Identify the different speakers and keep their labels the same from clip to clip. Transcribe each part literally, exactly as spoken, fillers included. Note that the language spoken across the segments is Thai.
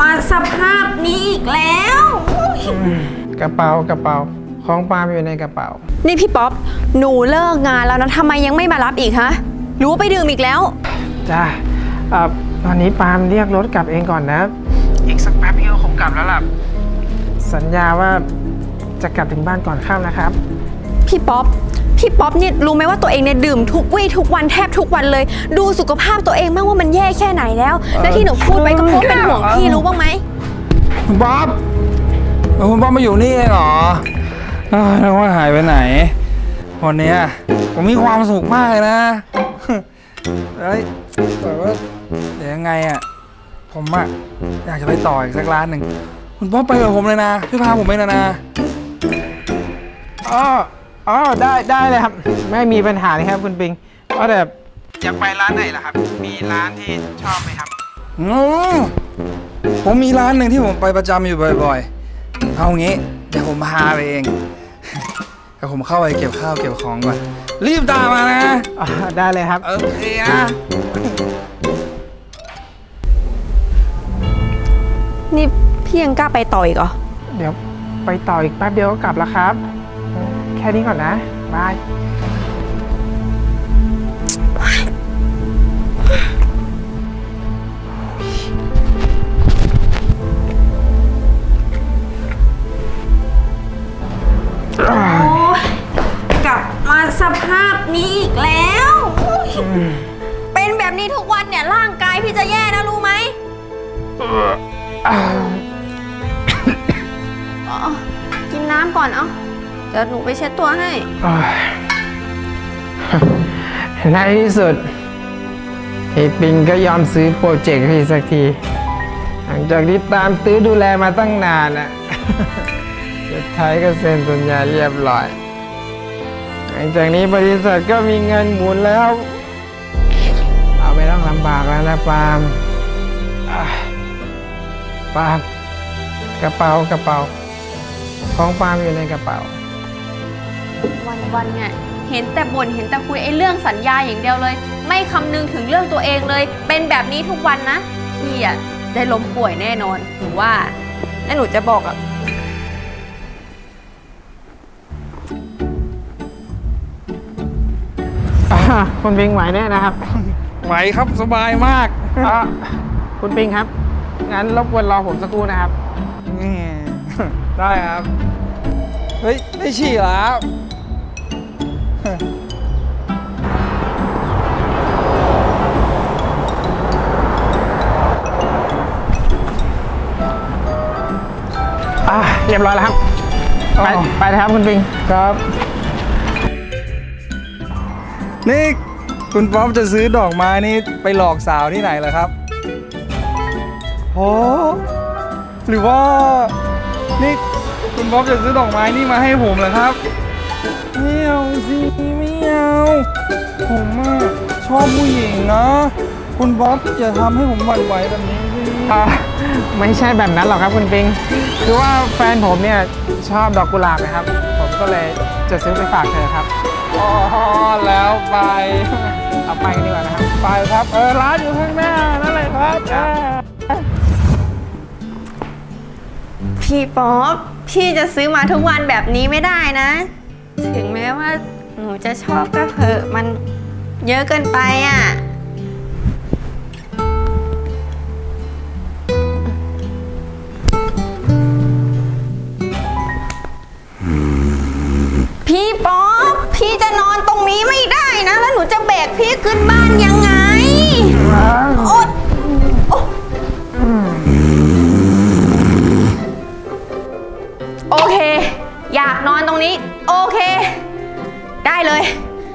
Speaker 1: มาสภาพนี้อีกแล้ว
Speaker 2: กระเป๋ากระเป๋าของปาล์มอยู่ในกระเป๋า
Speaker 1: นี่พี่ป๊อปหนูเลิกงานแล้วนะทำไมยังไม่มารับอีกฮะหรือว่าไปดื่มอีกแล้ว
Speaker 2: จ้าเอ่อตอนนี้ปาล์มเรียกรถกลับเองก่อนนะอีกสักแป๊บพี่ก็คงกลับแล้วล่ะสัญญาว่าจะกลับถึงบ้านก่อนค่ำนะครับ
Speaker 1: พี่ป๊อปพี่ป๊อปเนี่ยรู้ไหมว่าตัวเองเนี่ยดื่มทุกวี่ทุกวันแทบทุกวันเลยดูสุขภาพตัวเองบ้างว่ามันแย่แค่ไหนแล้วและที่หนูพูดไปก็เพราะเป็นห่วงพี่รู้บ้างไหม
Speaker 3: คุณป๊อปคุณป๊อปมาอยู่นี่เองเหรอแล้วว่าหายไปไหนวันนี้ผมมีความสุขมากเลยนะเฮ้ยแต่ว่าเดี๋ยวยังไงอ่ะผมอ่ะอยากจะไปต่ออีกสักร้านหนึ่งคุณป๊อปไปกับผมเลยนะช่วยพาผมไปนะนะ
Speaker 2: อ๋ออ๋อได้ได้เลยครับไม่มีปัญหาเลยครับคุณปิงก็แต่อยากไปร้านไหนล่ะครับมีร้านที่ชอบไหมครับ
Speaker 3: อืมผมมีร้านหนึ่งที่ผมไปประจำอยู่บ่อยๆเอางี้เดี๋ยวผมพาไปเองเดี๋ยวผมเข้าไปเก็บข้าวเก็บของก่อนรีบตามมานะ
Speaker 2: อ๋อได้เลยครับ
Speaker 3: โอเคนะ
Speaker 1: นี่พี่ยังกล้าไปต่ออีกเหรอ
Speaker 2: เดี๋ยวไปต่ออีกแป๊บเดียวก็กลับแล้วครับแค่นี้ก่อนนะบาย
Speaker 1: กลับมาสภาพนี้อีกแล้วเป็นแบบนี้ทุกวันเนี่ยร่างกายพี่จะแย่นะรู้ไหมกินน้ำก่อนเอาเดี๋ยวหนูไปเช็ดตัวให้
Speaker 2: ในที่สุดไอ้ปิงก็ยอมซื้อโปรเจกต์พี่สักทีหลังจากที่ตามตื้อดูแลมาตั้งนานน่ะสุดท้ายก็เซ็นสัญญาเรียบร้อยหลังจากนี้บริษัทก็มีเงินหมุนแล้วเราไม่ต้องลำบากแล้วนะปาล์มปาล์มกระเป๋ากระเป๋าของปาล์มอยู่ในกระเป๋า
Speaker 1: วันๆเนี่ยเห็นแต่บ่นเห็นแต่คุยไอ้เรื่องสัญญาอย่างเดียวเลยไม่คำนึงถึงเรื่องตัวเองเลยเป็นแบบนี้ทุกวันนะพี่อ่ะได้ล้มป่วยแน่นอนหนูว่าแล้วหนูจะบอกอ่ะ
Speaker 2: คุณปิงไหวแน่นะครับ
Speaker 3: ไหวครับสบายมาก
Speaker 2: คุณปิงครับงั้นรบกวนรอผมสักครู่นะครับ
Speaker 3: ได้ครับเฮ้ยไม่ฉี่แล้ว
Speaker 2: อ่ะเรียบร้อยแล้วครับไปไปเลยครับคุณปิง
Speaker 3: ครับนี่คุณป๊อปจะซื้อดอกไม้นี่ไปหลอกสาวที่ไหนเหรอครับโอ้หรือว่านี่คุณป๊อปจะซื้อดอกไม้นี่มาให้ผมเหรอครับไม่เอาสิไม่เอาผมอะชอบผู้หญิงนะคุณป๊อปอย่าทำให้ผมหวั่นไหวแบบนี้สิ
Speaker 2: ไม่ใช่แบบนั้นหรอกครับคุณปิงคือว่าแฟนผมเนี่ยชอบดอกกุหลาบนะครับผมก็เลยจะซื้อไปฝากเธอครับ
Speaker 3: อ๋อแล้วไป
Speaker 2: เอาไปกันดีกว่านะครับ
Speaker 3: ไปครับเออร้านอยู่ข้างหน้านั่นเลยครับ
Speaker 1: พี่ป๊อปพี่จะซื้อมาทุกวันแบบนี้ไม่ได้นะถึงแม้ว่าหนูจะชอบก็เถอะมันเยอะเกินไปอ่ะพี่ป๊อปพี่จะนอนตรงนี้ไม่ได้นะแล้วหนูจะแบกพี่ขึ้นบ้านยังไงโอ๊ยโอเคอยากนอนตรงนี้โอเคได้เลย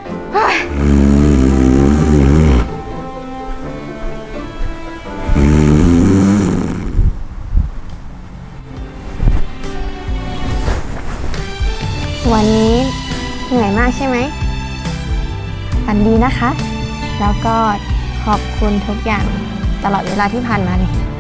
Speaker 1: วันนี้เหนื่อยมากใช่ไหมฝันดีนะคะแล้วก็ขอบคุณทุกอย่างตลอดเวลาที่ผ่านมาเลย